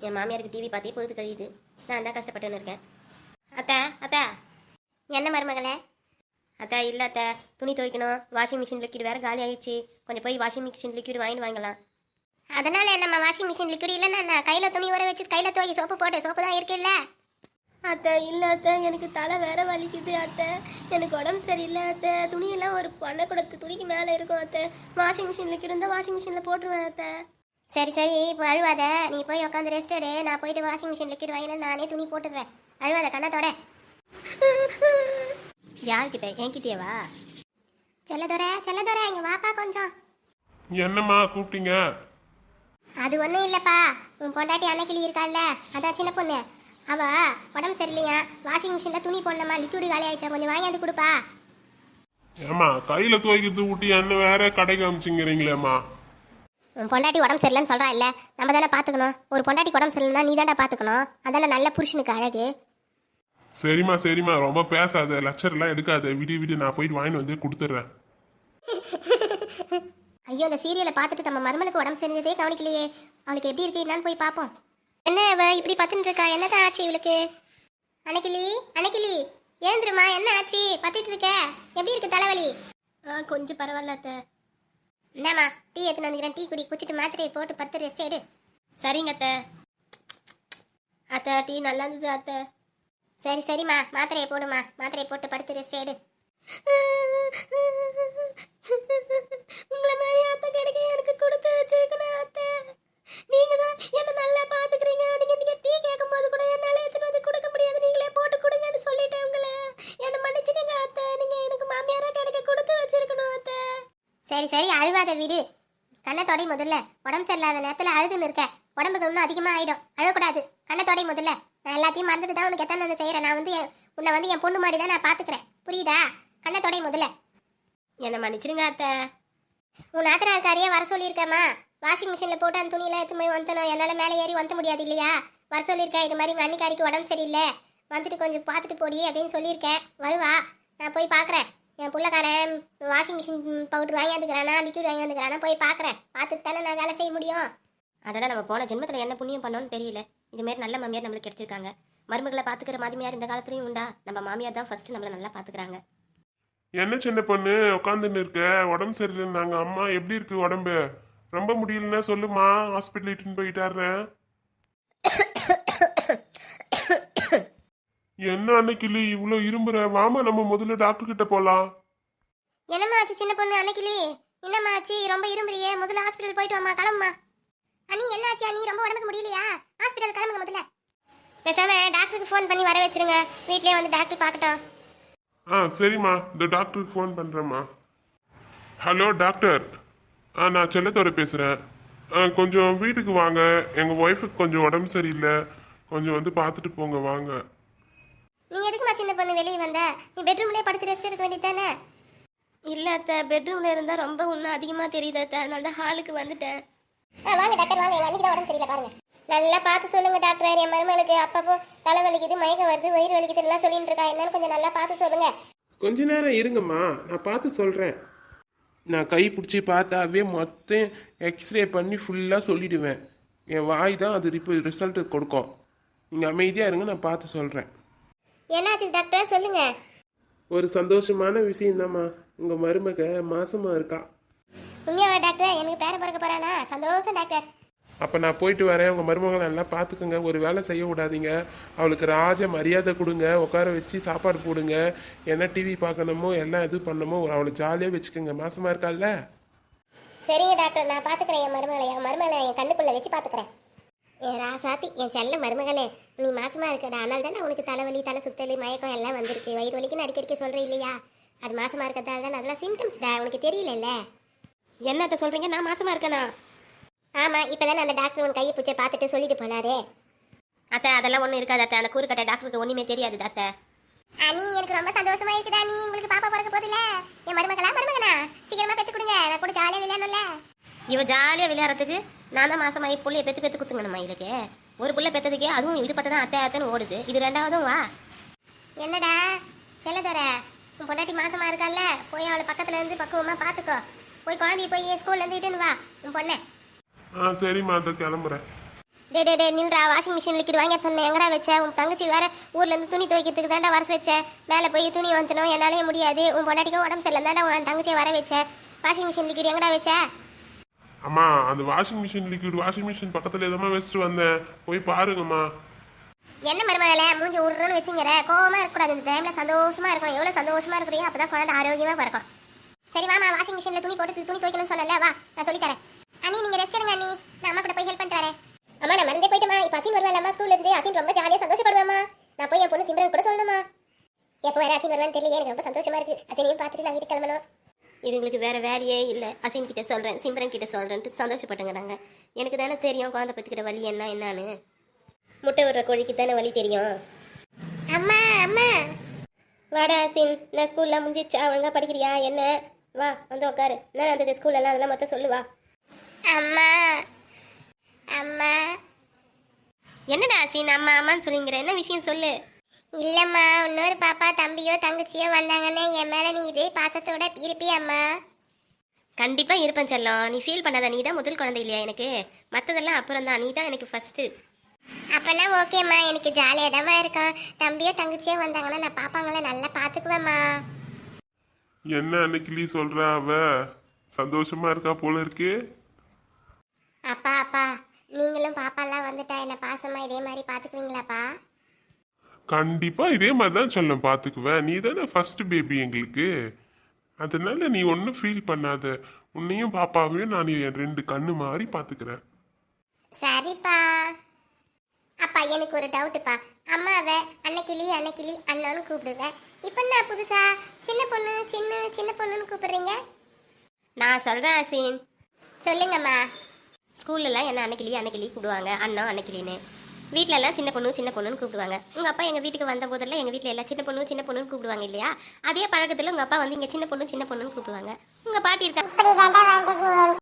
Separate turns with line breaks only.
என் மாமியாருக்கு டிவி பார்த்தே பொழுது கழியுது. நான் தான் கஷ்டப்பட்டுன்னு இருக்கேன். அத்தா அத்தா. என்ன மருமகளே? அத்தா இல்லை அத்தா, துணி துவைக்கணும். வாஷிங் மிஷின் லிக்விட் வேறு காலி ஆயிடுச்சு. கொஞ்சம் போய் வாஷிங் மிஷின் லிக்விட் வாங்கிட்டு வாங்கலாம். அதனால நம்ம வாஷிங் மிஷின் லிக்விட் இல்லைன்னா நான் கையில் துணி ஊற வச்சு கையில் துவைக்கி சோப்பு போட்டு சோப்பு தான் இருக்குல்ல. அத்தை இல்லை அத்தை, எனக்கு தலை வேற வலிக்குது அத்தை. எனக்கு உடம்பு சரியில்லை அத்தை. துணியெல்லாம் ஒரு பண்ணை கொடுத்து துணிக்கு மேலே இருக்கும் அத்தை. வாஷிங் மிஷின் லிக்விட் இருந்தால் வாஷிங் மிஷினில் போட்டுருவேன் அத்தை. சரி சரி, இப்போ அழுவாத. நீ போய் உட்காந்து ரெஸ்ட் எடு. நான் போயிட்டு வாஷிங் மிஷின் லிக்விட் வாங்கினா நானே துணி போட்டுடுறேன். அழுவாத கண்ணத்தோட. யார்கிட்ட? என்கிட்டயேவா? செல்லதோர இங்க வாப்பா கொஞ்சம்.
என்னம்மா கூப்பிட்டீங்க?
அது ஒன்றும் இல்லைப்பா. உன் பொண்டாட்டி அன்னைக்கிளி இருக்கால்ல, அதான் சின்ன பொண்ணு. அவ உடம்பு சரியில்லையா, வாஷிங் மிஷினில் துணி போடணுமா, லிக்விடு காலி ஆயிடுச்சா, கொஞ்சம் வாங்கியாந்து கொடுப்பா.
ஏம்மா கையில் துவைக்கிறது ஊட்டி என்ன வேற கடைக்கு அமிச்சிங்கிறீங்களேம்மா?
உன் பொண்டாட்டி உடம்பு சரியில்லைன்னு சொல்கிறா இல்லை, நம்ம தானே பார்த்துக்கணும். ஒரு பொண்டாட்டி உடம்பு சரியில்லைன்னா நீ தானே பார்த்துக்கணும். அதானே நல்ல புருஷனுக்கு அழகு.
சரிம்மா ரொம்ப பேசாத, லெக்சர்லாம் எடுக்காத. விடு நான் போயிட்டு வாங்கிட்டு வந்து கொடுத்துட்றேன்.
ஐயோ, இந்த சீரியலை பார்த்துட்டு நம்ம மருமலுக்கு உடம்பு சரிஞ்சதே கவனிக்கலையே. அவளுக்கு எப்படி இருக்கு என்னன்னு போய் பார்ப்போம். என்ன இவ இப்படி பத்துட்டு இருக்கா? என்னதான் ஆச்சு இவளுக்கு? அன்னைக்கிளி ஏந்திருமா, என்ன ஆச்சு? பத்திட்டு இருக்க, எப்படி இருக்கு தலைவலி? கொஞ்சம் பரவாயில்ல அத்தை. என்னம்மா, டீ எடுத்துன்னு வந்துக்கிறேன், டீ குடி. குடிச்சிட்டு மாத்திரையை போட்டு 10 ரெஸ்ட் எடு. சரிங்க அத்தை. அத்தை டீ நல்லா இருந்தது அத்தை. சரிம்மா, மாத்திரையை போடுமா. மாத்திரையை போட்டு 10 ரெஸ்ட் எடு. உங்களை மாதிரி அத்தை கிடைக்க எனக்கு கொடுத்து வச்சிருக்கணும் அத்தை. நீங்க தான் என்ன நல்லா பாத்துக்கிறீங்க. நீங்க டீ கேட்கும் போது கூட என்னால எடுத்துட்டு வந்து கொடுக்க முடியாது. நீங்களே போட்டு கொடுங்கன்னு சொல்லிட்டேன் உங்களை. என்ன மன்னிச்சிடுங்க அத்தை. நீங்க எனக்கு மாமியாரா கிடைக்க கொடுத்து வச்சிருக்கணும் அத்தை. சரி அழுவாத விடு. கண்ணத்தோடை முதல்ல. உடம்பு சரியில்லாத நேரத்துல அழுதுன்னு இருக்க. உடம்புக்கு இன்னும் அதிகமா ஆயிடும். அழக்கூடாது. கண்ணத்தோடை முதல்ல. நான் எல்லாத்தையும் மறந்துட்டு தான் உனக்கு எத்தனை வந்து செய்யறேன். நான் வந்து உன்னை வந்து என் பொண்ணு மாதிரி தான் நான் பாத்துக்கிறேன். புரியுதா? கண்ணத்தோடை முதல்ல. என்ன மன்னிச்சிருங்க அத்தை. உன் நாத்தனாருக்காரியே வர சொல்லியிருக்கேம்மா. வாஷிங் மிஷினில் போட்டு அந்த துணியெல்லாம் எடுத்து போய் வந்தணும். என்னால் மேலே ஏறி வந்து முடியாது இல்லையா? வர சொல்லியிருக்கேன். இது மாதிரி உங்கள் அன்னிக்காரிக்கு உடம்பு சரியில்லை, வந்துட்டு கொஞ்சம் பார்த்துட்டு போடி அப்படின்னு சொல்லியிருக்கேன். வருவா, நான் போய் பார்க்குறேன். என் பிள்ளைக்காரன் வாஷிங் மிஷின் பவுட்ரு வாங்கியாந்துக்கிறானா, லிக்விட் வாங்கியாந்துக்கிறானா போய் பார்க்குறேன். பார்த்துட்டு தானே நான் வேலை செய்ய முடியும். அதோட நம்ம போன ஜென்மத்தில் என்ன புண்ணியம் பண்ணோன்னு தெரியல. இதுமாரி நல்ல மாமியார் நம்மளுக்கு கிடைச்சிருக்காங்க. மருமகளை பார்த்துக்கிற மாமியார் இந்த காலத்துலையும் உண்டா? நம்ம மாமியார் தான் ஃபர்ஸ்ட் நம்மளை நல்லா பார்த்துக்கிறாங்க.
என்ன சின்ன பொண்ணு உட்காந்துன்னு இருக்க? உடம்பு சரியில்லைன்னு நாங்கள் அம்மா எப்படி இருக்கு உடம்பு? ரொம்ப முடியலன்னா சொல்லுமா, ஹாஸ்பிட்டல் இட்டுன்னு போயிட்டாடுறேன். என்ன அன்னைக்கிளி இவ்வளோ இரும்புற? வாமா நம்ம முதல்ல டாக்டர் கிட்ட போலாம்.
என்னம்மா ஆச்சு சின்ன பொண்ணு? அன்னைக்கிளி என்னம்மா ஆச்சு? ரொம்ப இரும்புறியே, முதல்ல ஹாஸ்பிட்டல் போயிட்டு வாமா. கிளம்புமா. அண்ணி என்ன ஆச்சு? அண்ணி ரொம்ப உடம்புக்கு முடியலையா? ஹாஸ்பிட்டல் கிளம்புங்க முதல்ல. பேசாம டாக்டருக்கு ஃபோன் பண்ணி வர வச்சிருங்க. வீட்லயே வந்து டாக்டர் பார்க்கட்டும்.
சரிம்மா, இந்த டாக்டருக்கு ஃபோன் பண்ணுறேம்மா. ஹலோ டாக்டர், நான் செல்லத்தோட பேசுகிறேன். கொஞ்சம் வீட்டுக்கு வாங்க. எங்கள் ஒய்ஃபுக்கு கொஞ்சம் உடம்பு சரியில்லை, கொஞ்சம் வந்து பார்த்துட்டு போங்க வாங்க.
நீ எதுக்குமா சின்ன பொண்ணு வெளியே வந்த? நீ பெட்ரூம்லேயே படுத்து ரெஸ்ட் எடுக்க வேண்டியதானே? இல்லை அத்தை, பெட்ரூமில் இருந்தால் ரொம்ப இன்னும் அதிகமாக தெரியுது அத்தை. அதனால தான் ஹாலுக்கு வந்துட்டேன். வாங்க டாக்டர் வாங்க. எங்கள் அன்றைக்கி தான் உடம்பு சரியில்லை பாருங்க. நல்லா பார்த்து சொல்லுங்க டாக்டர். என் மருமகளுக்கு அப்பப்போ தலை வலிக்குது, மயக்கம் வருது, வயிறு வலிக்குது எல்லாம் சொல்லிட்டு இருக்கா. என்னன்னு கொஞ்சம் நல்லா பார்த்து சொல்லுங்க.
கொஞ்ச நேரம் இருங்கம்மா, நான் பார்த்து சொல்கிறேன். நான் கை பிடிச்சி பார்த்தாவே மொத்தம் எக்ஸ்ரே பண்ணி ஃபுல்லாக சொல்லிடுவேன். என் வாய் தான் அது ரிசல்ட்டு கொடுக்கும். நீங்கள் அமைதியாக இருங்க, நான் பார்த்து சொல்கிறேன்.
என்னாச்சு டாக்டர் சொல்லுங்க.
ஒரு சந்தோஷமான விஷயம்தாம்மா, உங்கள் மருமக மாசமாக இருக்கா.
உண்மையாவா டாக்டர்? எனக்கு பேர பிறக்க போறானா? சந்தோஷம் டாக்டர்.
அப்போ நான் போயிட்டு வரேன். உங்கள் மருமகளை நல்லா பார்த்துக்குங்க. ஒரு வேலை செய்ய விடாதீங்க. அவளுக்கு ராஜ மரியாதை கொடுங்க. உட்கார வச்சு சாப்பாடு போடுங்க. என்ன டிவி பார்க்கணுமோ எல்லாம் இது பண்ணணுமோ அவளை ஜாலியாக வச்சுக்கோங்க. மாசமாக இருக்கால்ல?
சரிங்க டாக்டர், நான் பார்த்துக்கிறேன். என் மருமகளை என் கண்ணுக்குள்ளே வச்சு பார்த்துக்கிறேன். என் ராசாத்தி, என் செல்ல மருமகளே, நீ மாசமாக இருக்கடா. அதனால தானே உனக்கு தலைவலி, தலை சுத்தல், மயக்கம் எல்லாம் வந்திருக்கு. வயிறு வலிக்குன்னு அடிக்கடிக்க சொல்கிறேன் இல்லையா? அது மாசமாக இருக்கிறதால தான் அதெல்லாம் சிம்டம்ஸ்டா. உனக்கு தெரியல. என்னத்த சொல்கிறீங்க? நான் மாசமாக இருக்கேனா? ஆமாம், இப்போ தானே அந்த டாக்டர் உன் கையை பூச்சை பார்த்துட்டு சொல்லிட்டு போனாரே. அத்தை அதெல்லாம் ஒன்றும் இருக்காது அத்தை. அந்த கூறுக்கட்ட டாக்டருக்கு ஒன்றுமே தெரியாது அத்தை. அனி எனக்கு ரொம்ப சந்தோஷமா இருக்குதா. நீ உங்களுக்கு பாப்பா பிறக்க போதில்ல. என் மருமகனா சீக்கிரமா பெற்று கொடுங்க. நான் கூட ஜாலியாக விளையாடணும்ல. இவ ஜாலியாக விளையாடுறதுக்கு நான் தான் மாசமாயி புள்ளைய பெற்று குத்துங்கணுமா? இதுக்கு ஒரு புள்ள பெற்றதுக்கே அதுவும் இது பார்த்து தான் அத்தைன்னு ஓடுது. இது ரெண்டாவதும் வா. என்னடா செல்லதோர, உன் பொண்டாட்டி மாசமா இருக்கால, போய் அவளை பக்கத்துல இருந்து பக்குவமா பார்த்துக்கோ. போய் குழந்தைய போய் ஸ்கூல்ல இருந்து இட்டுன்னு வா உன் பொண்ணை.
சரிம்மா, அதை கிளம்புறேன்.
டே நின்றா, வாஷிங் மிஷின் லிக்விட் வாங்க சொன்னேன், எங்கடா வச்ச? உன் தங்கச்சி வேற ஊர்ல இருந்து துணி துவைக்கிறதுக்கு தாண்டா வர வச்சேன். மேலே போய் துணி வந்துனோம், என்னாலே முடியாது. உன் பொண்டாட்டிக்கும் உடம்பு சரியில்லை தாண்டா உன் தங்கச்சியை வர வச்சேன். வாஷிங் மிஷின் லிக்விட் எங்கடா வச்ச?
அம்மா அந்த washing machine liquid washing machine பக்கத்துல எதமா வச்சுட்டு வந்தேன், போய் பாருங்கம்மா.
என்ன மருமகள மூஞ்சி உருன்னு வச்சுங்கிற? கோவமா இருக்கக்கூடாது, இந்த டைம்ல சந்தோஷமா இருக்கணும். எவ்வளவு சந்தோஷமா இருக்கிறீங்க, அப்பதான் குழந்தை ஆரோக்கியமா பிறக்கும். சரி வாமா, வாஷிங் மிஷின்ல துணி போட்டு துணி துவைக்கணும்னு சொன்னல, வா நான் சொல்லி தரேன். அண்ணி நீங்க ரெஸ்ட் எடுங்க அண்ணி, நான் அம்மா கூட போய் ஹெல்ப் பண்ணிட்டு வரேன். அம்மா நான் மறந்தே போயிட்டேமா, இப்ப அசின் வருவாள் ஸ்கூல்ல இருந்து. அசின் ரொம்ப ஜாலியா சந்தோஷப்படுவாமா. நான் போய் என் பொண்ணு சிம்ரன் கூட சொல்லணுமா? எப்போ வேற அசின் வருவான்னு தெரியல, எனக்கு ரொம்ப சந்தோஷமா இருக்கு. அசினையும் பார்த்துட்டு நான் வீட்டுக்கு கிளம்பணும். இதுங்களுக்கு வேற வேலையே இல்லை. அசின் கிட்ட சொல்றேன், சிம்ரன் கிட்ட சொல்றேன்ட்டு சந்தோஷப்பட்டுங்கிறாங்க. எனக்கு தானே தெரியும் குழந்தை பத்துக்கிற வலி என்னன்னு. முட்டை விடுற கோழிக்கு தானே வலி தெரியும். அம்மா அம்மா வாடா அசின், நான் ஸ்கூல்லாம் முடிஞ்சிச்சா? ஒழுங்கா படிக்கிறியா என்ன? வா வந்து உட்காரு. நான் அந்த ஸ்கூல்லலாம் அதெல்லாம் மொத்தம் சொல்லுவா. அம்மா அம்மா என்னடா அசின் அம்மா அம்மான்னு சொல்லிங்கிற, என்ன விஷயம் சொல்லு. இல்லம்மா, இன்னொரு பாப்பா தம்பியோ தங்கச்சியோ வந்தாங்கன்னு என் மேல நீ இதே பாசத்தோட இருப்பியம்மா? கண்டிப்பா இருப்பேன் செல்லம், நீ ஃபீல் பண்ணாத. நீ தான் முதல் குழந்தை இல்லையா எனக்கு? மற்றதெல்லாம் அப்புறம் தான், நீ தான் எனக்கு ஃபர்ஸ்ட். அப்பனா ஓகேம்மா, எனக்கு ஜாலியாக தான் இருக்கும். தம்பியோ தங்கச்சியோ வந்தாங்கன்னா நான் பாப்பாங்கள நல்லா பார்த்துக்குவேம்மா.
என்ன அன்னைக்கு சொல்ற, அவ சந்தோஷமா இருக்கா போல இருக்கு.
அப்பா அப்பா நீங்களும் பாப்பாலாம் வந்துட்டா என்ன பாசமா இதே மாதிரி பார்த்துக்குவீங்களாப்பா?
கண்டிப்பா இதே மாதிரி தான் சொல்ல பாத்துக்குவேன். நீ தானே ஃபர்ஸ்ட் பேபி எங்களுக்கு, அதனால நீ ஒன்றும் ஃபீல் பண்ணாத. உன்னையும் பாப்பாவையும் நான் என் 2 கண்ணு மாதிரி பாத்துக்கிறேன்.
சரிப்பா. அப்பா எனக்கு ஒரு டவுட்டுப்பா, அம்மாவை அன்னைக்கிளி அண்ணான்னு கூப்பிடுவேன். இப்போ நான் புதுசா சின்ன பொண்ணு சின்ன பொண்ணுன்னு கூப்பிடுறீங்க? நான் சொல்றேன் அசின். சொல்லுங்கம்மா. ஸ்கூல்லலாம் என்ன அன்னைக்கிளி கூப்பிடுவாங்க, அண்ணா அன்னைக்கிளின்னு. வீட்டிலலாம் சின்ன பொண்ணுன்னு கூப்பிடுவாங்க. உங்கள் அப்பா எங்கள் வீட்டுக்கு வந்த போதெல்லாம் எங்கள் வீட்டில் எல்லாம் சின்ன பொண்ணுன்னு கூப்பிடுவாங்க இல்லையா? அதே பழக்கத்தில் உங்கள் அப்பா வந்து இங்கே சின்ன பொண்ணுன்னு கூப்பிடுவாங்க. உங்கள் பாட்டி இருக்கா?